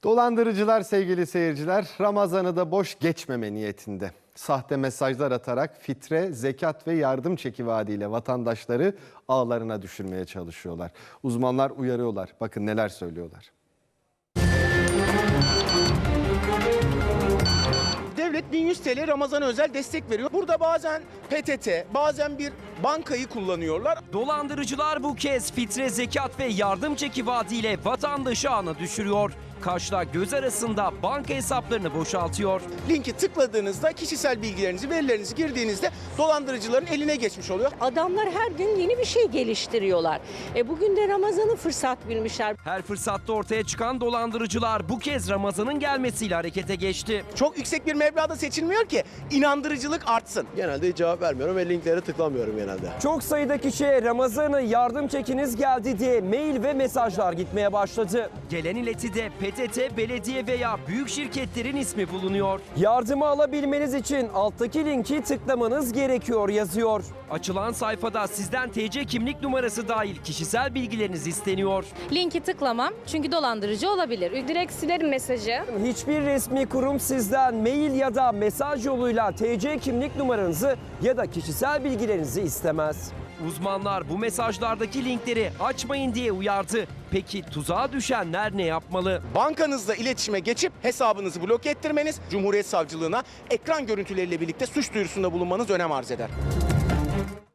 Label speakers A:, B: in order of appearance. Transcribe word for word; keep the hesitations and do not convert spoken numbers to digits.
A: Dolandırıcılar sevgili seyirciler, Ramazan'ı da boş geçmeme niyetinde. Sahte mesajlar atarak fitre, zekat ve yardım çeki vaadiyle vatandaşları ağlarına düşürmeye çalışıyorlar. Uzmanlar uyarıyorlar. Bakın neler söylüyorlar.
B: Devlet bin yüz TL Ramazan'a özel destek veriyor. Burada bazen P T T, bazen bir bankayı kullanıyorlar.
C: Dolandırıcılar bu kez fitre, zekat ve yardım çeki vaadiyle vatandaşı ağına düşürüyor. Kaşla göz arasında banka hesaplarını boşaltıyor.
B: Linki tıkladığınızda kişisel bilgilerinizi, verilerinizi girdiğinizde dolandırıcıların eline geçmiş oluyor.
D: Adamlar her gün yeni bir şey geliştiriyorlar. E bugün de Ramazan'ı fırsat bilmişler.
C: Her fırsatta ortaya çıkan dolandırıcılar bu kez Ramazan'ın gelmesiyle harekete geçti.
B: Çok yüksek bir meblağda seçilmiyor ki inandırıcılık artsın.
E: Genelde hiç cevap vermiyorum ve linklere tıklamıyorum genelde.
C: Çok sayıda kişiye Ramazan'ı yardım çekiniz geldi diye mail ve mesajlar gitmeye başladı. Gelen iletide P T T, belediye veya büyük şirketlerin ismi bulunuyor. Yardımı alabilmeniz için alttaki linki tıklamanız gerekiyor yazıyor. Açılan sayfada sizden T C kimlik numarası dahil kişisel bilgileriniz isteniyor.
F: Linki tıklamam çünkü dolandırıcı olabilir. Direkt silerim mesajı.
C: Hiçbir resmi kurum sizden mail ya da mesaj yoluyla T C kimlik numaranızı ya da kişisel bilgilerinizi istemez. Uzmanlar bu mesajlardaki linkleri açmayın diye uyardı. Peki tuzağa düşenler ne yapmalı?
B: Bankanızla iletişime geçip hesabınızı bloke ettirmeniz, Cumhuriyet Savcılığına ekran görüntüleriyle birlikte suç duyurusunda bulunmanız önem arz eder.